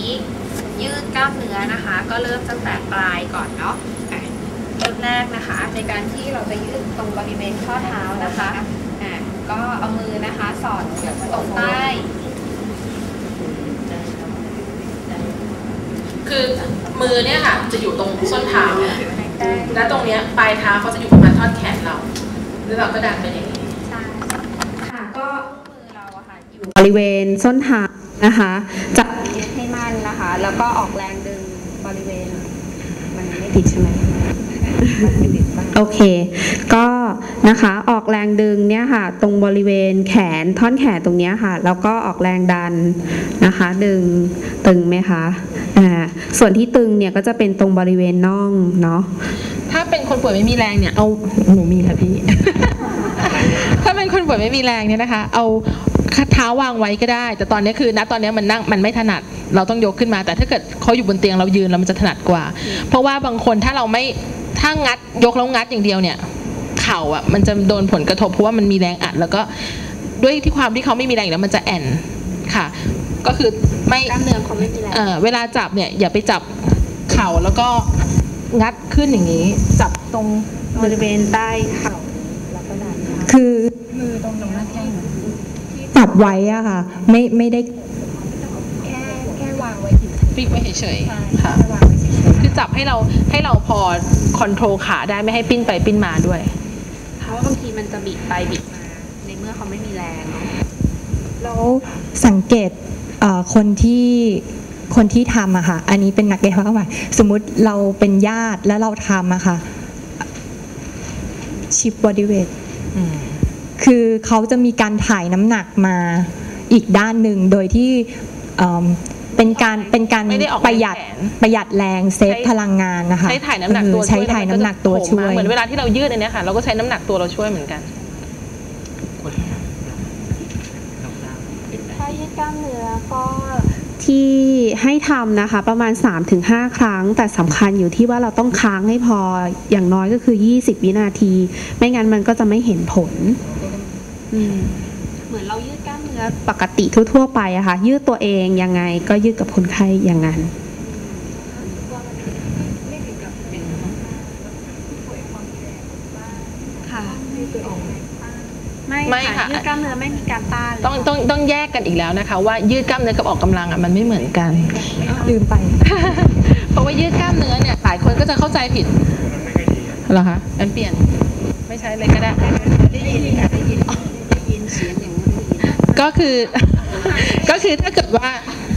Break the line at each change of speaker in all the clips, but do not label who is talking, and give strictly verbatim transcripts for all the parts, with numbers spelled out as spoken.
ยืดกล้ามเนื้อนะคะก็เริ่มตั้งแต่ปลายก่อนเนาะเริ่มแรกนะคะในการที่เราจะยืดตรงบริเวณข้อเท้านะคะอ่ะก็เอามือนะคะสอดตรงใต้
คือมือเนี่ยค่ะจะอยู่ตรงส้นเท้าและตรงเนี้ยปลายเท้าเขาจะอยู่ประมาณท่อนแขนเราแล้วเราก็ดันไปอย่างนี้
ใช่ค่ะก็มือเราอะค่ะอยู่บริเวณส้นเท้านะคะจับยึดให้มั่นนะคะแล้วก็ออกแรงดึงบริเวณมันไม่ติดใช่ไหมโอเคก็นะคะออกแรงดึงเนี่ยค่ะตรงบริเวณแขนท่อนแขนตรงนี้ค่ะแล้วก็ออกแรงดันนะคะดึงตึงไหมคะอ่าส่วนที่ตึงเนี่ยก็จะเป็นตรงบริเวณน่องเนาะ
ถ้าเป็นคนป่วยไม่มีแรงเนี่ยเอาหนูมีค่ะพี่ ถ้าเป็นคนป่วยไม่มีแรงเนี่ยนะคะเอาเท้าวางไว้ก็ได้แต่ตอนนี้คือณตอนนี้มันนั่งมันไม่ถนัดเราต้องยกขึ้นมาแต่ถ้าเกิดเขาอยู่บนเตียงเรายืนแล้วมันจะถนัดกว่าเพราะว่าบางคนถ้าเราไม่ถ้างัดยกแล้วงัดอย่างเดียวเนี่ยเข่าอ่ะมันจะโดนผลกระทบเพราะว่ามันมีแรงอัดแล้วก็ด้วยที่ความที่เขาไม่มีแรงแล้วมันจะแอนค่ะก็คือไม่
กล้ามเนื้อเขาไม่มีแรง
เออเวลาจับเนี่ยอย่าไปจับเข่าแล้วก็งัดขึ้นอย่างนี้จับตรง
บริเวณใต้เข่าแล้วก็ดัน
คือมือตรงหน้าแข้งจับไว้อะค่ะไม่ไม่ได้
แค่แค่วางไว้
ฟิกไว้เฉยๆค่ะคือจับให้เราให้เราพอคอนโทรลขาได้ไม่ให้ปิ้นไปปิ้นมาด้วย
เพราะว่าบางทีมันจะบิดไปบิดมาในเมื่อเขาไม่มีแรงเนาะ
แล้วสังเกตคนที่คนที่ทำอะค่ะอันนี้เป็นนักกายภาพบำบัดสมมุติเราเป็นญาติแล้วเราทำอะค่ะชิปบอดี้เวทคือเขาจะมีการถ่ายน้ำหนักมาอีกด้านหนึ่งโดยที่เป็นการเป็นการประหยัดประหยัดแรงเซฟพลังงานนะคะ
ใช้ถ่ายน้ำหนักตัว
ใช้ถ่ายน้ำหนักตัวช่วย
เหมือนเวลาที่เรายืดอันนี้ค่ะเราก็ใช้น้ำหนักตัวเราช่วยเหมือนกัน
ถ้ายืดกล้ามเนื้อก็ที่ให้ทำนะคะประมาณ สามถึงห้า ครั้งแต่สำคัญอยู่ที่ว่าเราต้องค้างให้พออย่างน้อยก็คือยี่สิบวินาทีไม่งั้นมันก็จะไม่เห็นผลเหมือนเรายืดกล้ามเนื้อปกติทั่วๆไปอะค่ะยืดตัวเองยังไงก็ยืดกับคนไข้อย่างนั้นค่ะไม่ค่ะยืดกล้ามเนื้อไม่มีการต้าน
ต้องต้องต้องแยกกันอีกแล้วนะคะว่ายืดกล้ามเนื้อกับออกกำลังอ่ะมันไม่เหมือนกัน
ลืมไป
เพราะว่ายืดกล้ามเนื้อเนี่ยหลายคนก็จะเข้าใจผิดเหรอคะงั้นเปลี่ยนไม่ใช้เลยก็ได้ได้ยินได้ยินได้ยินเสียงอย่างนี้ก็คือก็คือถ้าเกิดว่า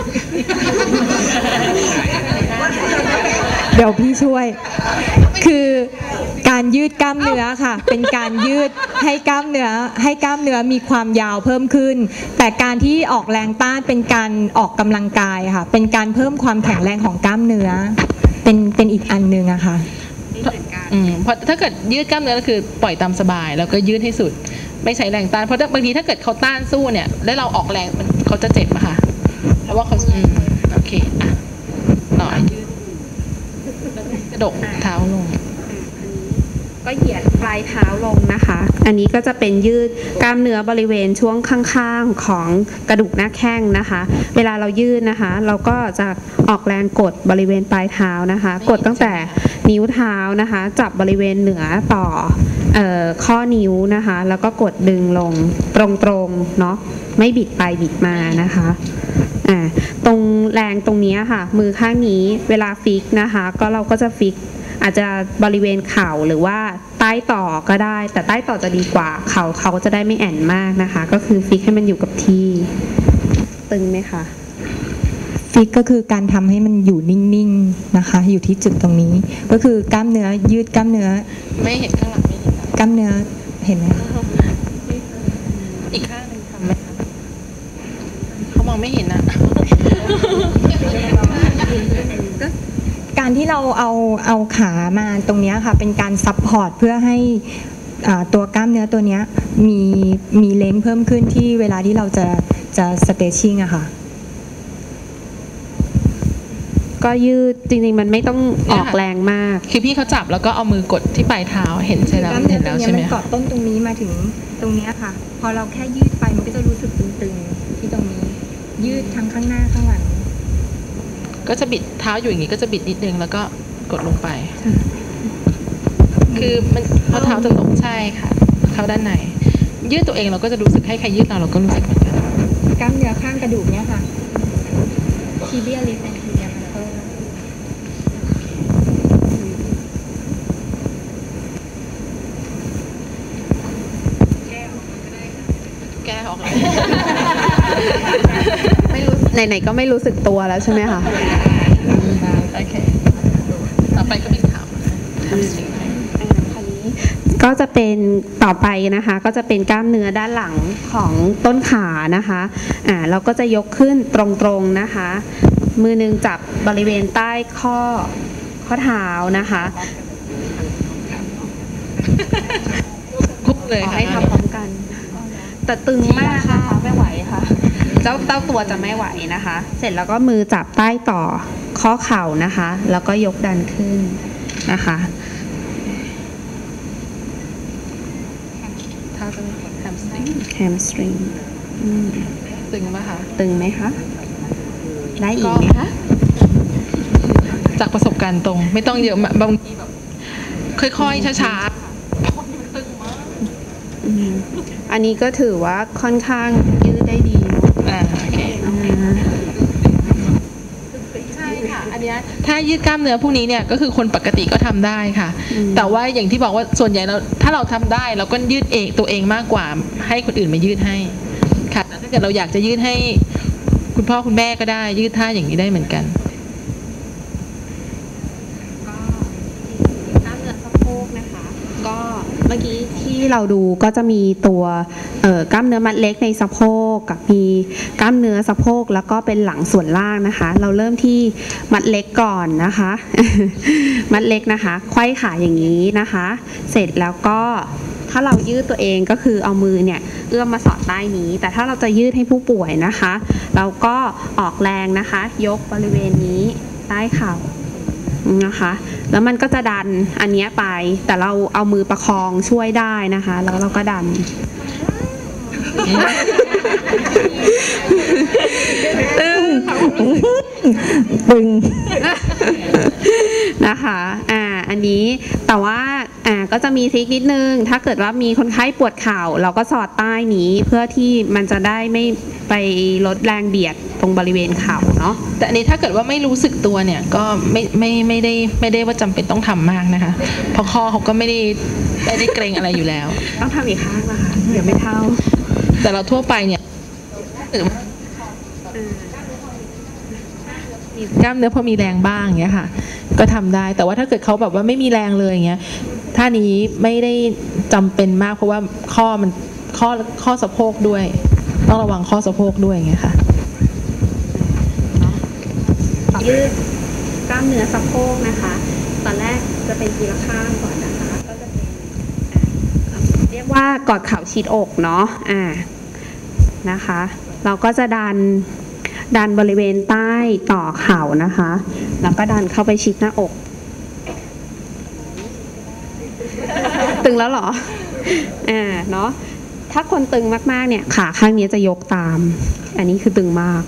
เดี๋ยวพี่ช่วยคือการยืดกล้ามเนื้อค่ะเป็นการยืดให้กล้ามเนื้อให้กล้ามเนื้อมีความยาวเพิ่มขึ้นแต่การที่ออกแรงต้านเป็นการออกกำลังกายค่ะเป็นการเพิ่มความแข็งแรงของกล้ามเนื้อเป็นเป็นอีกอันนึงอะค่ะ
อืมเพราะถ้าเกิดยืดกล้ามเนื้อก็คือปล่อยตามสบายแล้วก็ยืดให้สุดไม่ใช้แรงต้านเพราะบางทีถ้าเกิดเขาต้านสู้เนี่ยแล้วเราออกแรงมันเขาจะเจ็บอะค่ะเพราะว่าเขาอืมโอเคอ่ะหน่อยกระดกเท้าลง
ก็เหยียดปลายเท้าลงนะคะอันนี้ก็จะเป็นยืดกล้ามเนื้อบริเวณช่วงข้างๆของกระดูกหน้าแข้งนะคะเวลาเรายืดนะคะเราก็จะออกแรงกดบริเวณปลายเท้านะคะกดตั้งแต่นิ้วเท้านะคะจับบริเวณเหนือต่อเอ่อข้อนิ้วนะคะแล้วก็กดดึงลงตรงๆเนาะไม่บิดไปบิดมานะคะอ่าตรงแรงตรงนี้ค่ะมือข้างนี้เวลาฟิกนะคะก็เราก็จะฟิกอาจจะบริเวณเข่าหรือว่าใต้ต่อก็ได้แต่ใต้ต่อจะดีกว่าเข่าเขาจะได้ไม่แอนมากนะคะก็คือฟิกให้มันอยู่กับที่ตึงไหมคะ
ฟิกก็คือการทำให้มันอยู่นิ่งๆนะคะอยู่ที่จุดตรงนี้ก็คือกล้ามเนื้อยืดกล้ามเนื้อ
ไม่เห็นข้างหลังไม่เห็น
กล้ามเนื้อเห็นไหม
อีกข้างนึงทำไหมคะเขามองไม่เห็นนะ
การที่เราเอาเอาขามาตรงนี้ค่ะเป็นการซัพพอร์ตเพื่อให้ตัวกล้ามเนื้อตัวนี้มีมีเลนส์เพิ่มขึ้นที่เวลาที่เราจะจะสเตชิ่งอะค่ะ
ก็ยืดจริงๆมันไม่ต้องออกแรงมาก
คือพี่เขาจับแล้วก็เอามือกดที่ปลายเท้าเห็นใช่แล้ว
เห็นแล้วใช่ไหมมันเกาะต้นตรงนี้มาถึงตรงนี้ค่ะพอเราแค่ยืดไปมันก็จะรู้สึกตึงๆที่ตรงนี้ยืดทั้งข้างหน้าข้างหลัง
ก็จะบิดเท้าอยู่อย่างนี้ก็จะบิดนิดนึงแล้วก็กดลงไป คือมันพอเท้าจะลงใช่ค่ะเข้าด้านในยืดตัวเองเราก็จะรู้สึกให้ใครยืดเราเราก็รู้สึกเหมือนกัน
กล้ามเนื้อข้างกระดูกเนี่ยค่ะทีเบียลิฟแอนทีเบียมันเพิ่ม
แก้ออกเลย
ไม่รู้ไหนๆก็ไม่รู้สึกตัวแล้วใช่ไหมคะ
โอเคต่อไปก็เป็นขาทำสิ่งให้
อ่าคราวนี้ก็จะเป็นต่อไปนะคะก็จะเป็นกล้ามเนื้อด้านหลังของต้นขานะคะอ่าเราก็จะยกขึ้นตรงๆนะคะ มือหนึงจับบริเวณใต้ข้อข้อเท้านะคะ
คุกเลย
ขอ
ค่ะ
ให้ทำพร้อมกัน แต่ตึงมากนะคะไม่ไหวค่ะ เจ้าเต้าตัวจะไม่ไหวนะคะ เสร็จแล้วก็มือจับใต้ต่อข้อเข่านะคะ แล้วก็ยกดันขึ้นนะคะ
เท้าจะแฮมสตริง
แฮมสตริง
ตึงป่ะคะ
ตึงไหมคะ ได้อีกไหมคะ
จากประสบการณ์ตรงไม่ต้องเยอะมากบางทีแบบค่อยๆช้า
อืมอันนี้ก็ถือว่าค่อนข้างยืดได้ดีเนอะ
ๆอ่าโอเค
อ่า
ใช่ค่ะอันเนี้ยถ้ายืดกล้ามเนื้อพวกนี้เนี่ยก็คือคนปกติก็ทำได้ค่ะ
อืม
แต่ว่าอย่างที่บอกว่าส่วนใหญ่เราถ้าเราทำได้เราก็ยืดเองตัวเองมากกว่าให้คนอื่นมายืดให้ค่ะแต่ถ้าเกิดเราอยากจะยืดให้คุณพ่อคุณแม่ก็ได้ยืดท่าอย่างนี้ได้เหมือนกัน
กล้ามเนื้อสะโพกนะคะ ก็เมื่อกี้ที่เราดูก็จะมีตัวเอ่อกล้ามเนื้อมัดเล็กในสะโพกกับมีกล้ามเนื้อสะโพกแล้วก็เป็นหลังส่วนล่างนะคะ เราเริ่มที่มัดเล็กก่อนนะคะ มัดเล็กนะคะไขว้ขาอย่างนี้นะคะ เสร็จแล้วก็ถ้าเรายืดตัวเองก็คือเอามือเนี่ยเอื้อมมาสอดใต้นี้ แต่ถ้าเราจะยืดให้ผู้ป่วยนะคะ เราก็ออกแรงนะคะ ยกบริเวณนี้ใต้เข่านะคะ แล้วมันก็จะดันอันเนี้ยไป แต่เราเอามือประคองช่วยได้นะคะ แล้วเราก็ดัน
ตึง
นะคะ อ่า อันนี้ แต่ว่า อ่า ก็จะมีทริคนิดนึง ถ้าเกิดว่ามีคนไข้ปวดเข่า เราก็สอดใต้นี้เพื่อที่มันจะได้ไม่ไปลดแรงเบียดตรงบริเวณเข่าเนาะ
แต่อันนี้ถ้าเกิดว่าไม่รู้สึกตัวเนี่ยก็ไม่ไม่ไม่ได้ไม่ได้ว่าจำเป็นต้องทำมากนะคะเพราะข้อเขาก็ไม่ได้ไม่ได้เกรงอะไรอยู่แล้ว
ต้องทำอีกข้างนะคะ เดี๋ยวไม่เท่า
แต่เราทั่วไปเนี่ยมีกล้ามเนื้อพอมีแรงบ้างอย่างเงี้ยค่ะ ก็ทำได้แต่ว่าถ้าเกิดเขาแบบว่าไม่มีแรงเลยอย่างเงี้ยท่านี้ไม่ได้จำเป็นมากเพราะว่าข้อมันข้อข้อสะโพกด้วย ต้องระวังข้อสะโพกด้วยอย่างเงี้ยค่ะ
ยืดกล้ามเนื้อสะโพกนะคะ ตอนแรกจะเป็นทีละข้างก่อนนะคะ ก็จะเป็นอ่าเรียกว่ากอดเข่าชิดอกเนาะ อ่า นะคะ เราก็จะดัน ดันบริเวณใต้ต่อเข่านะคะ แล้วก็ดันเข้าไปชิดหน้าอก ตึงแล้วเหรอ อ่า เนาะ ถ้าคนตึงมากๆเนี่ยขาข้างนี้จะยกตาม อันนี้คือตึงมาก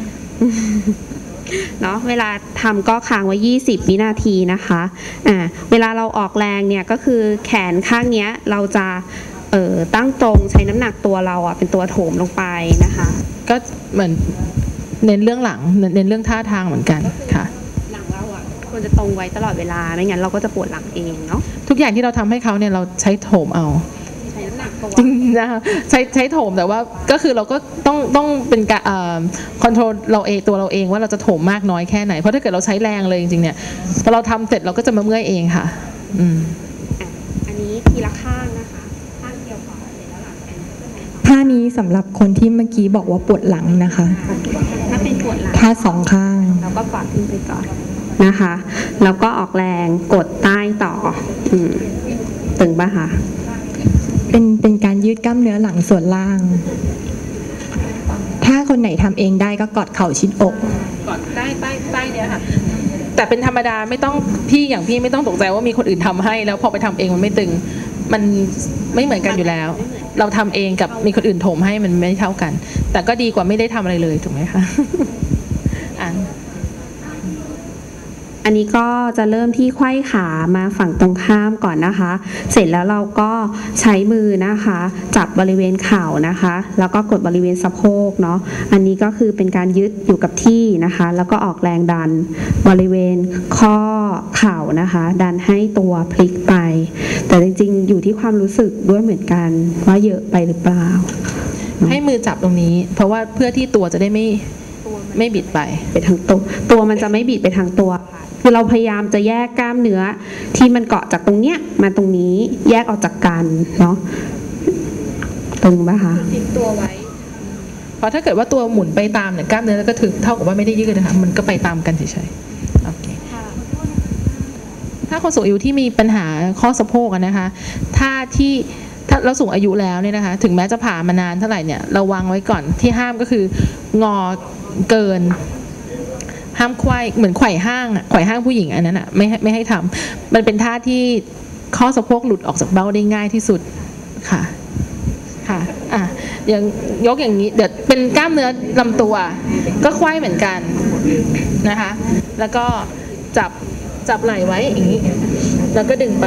เนาะเวลาทำก็ค้างไว้ยี่สิบวินาทีนะคะอ่าเวลาเราออกแรงเนี่ยก็คือแขนข้างเนี้ยเราจะเอ่อตั้งตรงใช้น้ำหนักตัวเราอ่ะเป็นตัวโถมลงไปนะคะ
ก็เหมือนเน้นเรื่องหลังเน้นเน้นเรื่องท่าทางเหมือนกันค่ะ
หลังเราอ่ะควรจะตรงไว้ตลอดเวลาไม่งั้นเราก็จะปวดหลังเองเนาะ
ทุกอย่างที่เราทำให้เขาเนี่ยเราใช้โถมเอา
ใช้น้ำหนักตัว
จริงนะคะใช้ใช้โถมแต่ว่าก็คือเราก็ต้องต้องเป็นการคอนโทรลเราเองตัวเราเองว่าเราจะโถมมากน้อยแค่ไหนเพราะถ้าเกิดเราใช้แรงเลยจริงๆเนี่ยพอเราทำเสร็จเราก็จะมาเมื่อยเองค่ะอืม
อ่ะอันนี้ทีละข้างนะคะข้างเดียวก่อนเสร็จแล้วหลังเป็น
ท่านี้สำหรับคนที่เมื่อกี้บอกว่าปวดหลังนะคะ
ถ้าเป็นปวดหลัง
ท่าสองข้าง
เราก็กอดขึ้นไปก่อนนะคะ แล้วก็ออกแรงกดใต้ต่ออืมตึงปะคะ
เป็นเป็นการยืดกล้ามเนื้อหลังส่วนล่าง ถ้าคนไหนทำเองได้ก็กอดเข่าชิดอก
ก่อนใต้ใต้ใต้เนี่ยค่ะแต่เป็นธรรมดาไม่ต้องพี่อย่างพี่ไม่ต้องตกใจว่ามีคนอื่นทำให้แล้วพอไปทำเองมันไม่ตึงมันไม่เหมือนกันอยู่แล้ว เราทำเองกับมีคนอื่นโถมให้มันไม่เท่ากัน แต่ก็ดีกว่าไม่ได้ทำอะไรเลยถูกไหมคะอ่าน
อันนี้ก็จะเริ่มที่ไขว้ขามาฝั่งตรงข้ามก่อนนะคะ เสร็จแล้วเราก็ใช้มือนะคะจับบริเวณเข่านะคะ แล้วก็กดบริเวณสะโพกเนาะอันนี้ก็คือเป็นการยึดอยู่กับที่นะคะ แล้วก็ออกแรงดันบริเวณข้อเข่านะคะ ดันให้ตัวพลิกไป แต่จริงๆอยู่ที่ความรู้สึกด้วยเหมือนกันว่าเยอะไปหรือเปล่า
ให้มือจับตรงนี้ เพราะว่าเพื่อที่ตัวจะได้ไม่ไม่บิดไป
ไปทางตัวตัวมันจะไม่บิดไปทางตัวค่ะคือเราพยายามจะแยกกล้ามเนื้อที่มันเกาะจากตรงเนี้ยมาตรงนี้แยกออกจากกันเนาะตรงป่ะคะทิ้งตัวไว้
เพราะถ้าเกิดว่าตัวหมุนไปตามเนี่ยกล้ามเนื้อก็ถือเท่ากับว่าไม่ได้ยืดนะคะมันก็ไปตามกันเฉยๆโอเคถ้าคนสูงอายุที่มีปัญหาข้อสะโพกอะนะคะถ้าที่ถ้าเราสูงอายุแล้วเนี่ยนะคะถึงแม้จะผ่ามานานเท่าไหร่เนี่ยเราวางไว้ก่อนที่ห้ามก็คืองอเกินห้ามไขว้เหมือนไขว่ห้างอะไขว่ห้างผู้หญิงอันนั้นอะไม่ให้ไม่ให้ทำมันเป็นท่าที่ข้อสะโพกหลุดออกจากเบ้าได้ง่ายที่สุดค่ะค่ะอ่ะอย่างยกอย่างนี้เดี๋ยวเป็นกล้ามเนื้อลำตัวก็ไขว้เหมือนกันนะคะแล้วก็จับจับไหล่ไว้อย่างนี้แล้วก็ดึงไป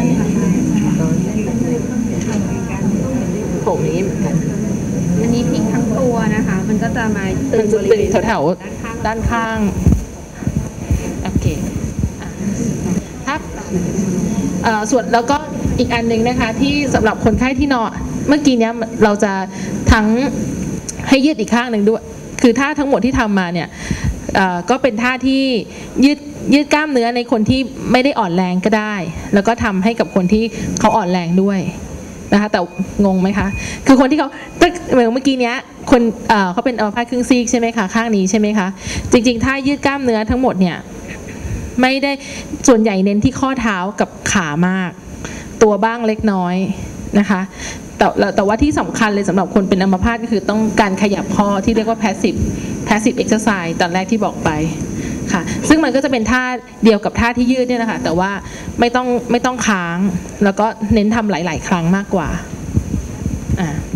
ผมอย่างนี้เหมือนกัน
อันนี้พลิกทั้งตัวนะคะ มันก็จะมาตึ
มัน
ง
จะ
บริ
ตึ
เว
ง
ณ
แถวๆด้านข้างโอเคอ่ะถ้าเอ่อส่วนแล้วก็อีกอันหนึ่งนะคะที่สำหรับคนไข้ที่นอนเมื่อกี้เนี้ยเราจะทั้งให้ยืดอีกข้างหนึ่งด้วยคือท่าทั้งหมดที่ทำมาเนี่ยเอ่อก็เป็นท่าที่ยืดยืดกล้ามเนื้อในคนที่ไม่ได้อ่อนแรงก็ได้ แล้วก็ทำให้กับคนที่เขาอ่อนแรงด้วยนะคะแต่งงไหมคะคือคนที่เขาเหมือนเมื่อกี้เนี้ยคนเอ่อเขาเป็นอัมพาตครึ่งซีกใช่ไหมคะข้างนี้ใช่ไหมคะจริงๆถ้ายืดกล้ามเนื้อทั้งหมดเนี่ยไม่ได้ส่วนใหญ่เน้นที่ข้อเท้ากับขามากตัวบ้างเล็กน้อยนะคะแต่แต่ว่าที่สำคัญเลยสำหรับคนเป็นอัมพาตก็คือต้องการขยับข้อที่เรียกว่า passive passive exercise ตอนแรกที่บอกไปค่ะซึ่งมันก็จะเป็นท่าเดียวกับท่าที่ยืดเนี่ยนะคะแต่ว่าไม่ต้องไม่ต้องค้างแล้วก็เน้นทำหลายๆครั้งมากกว่าอ่า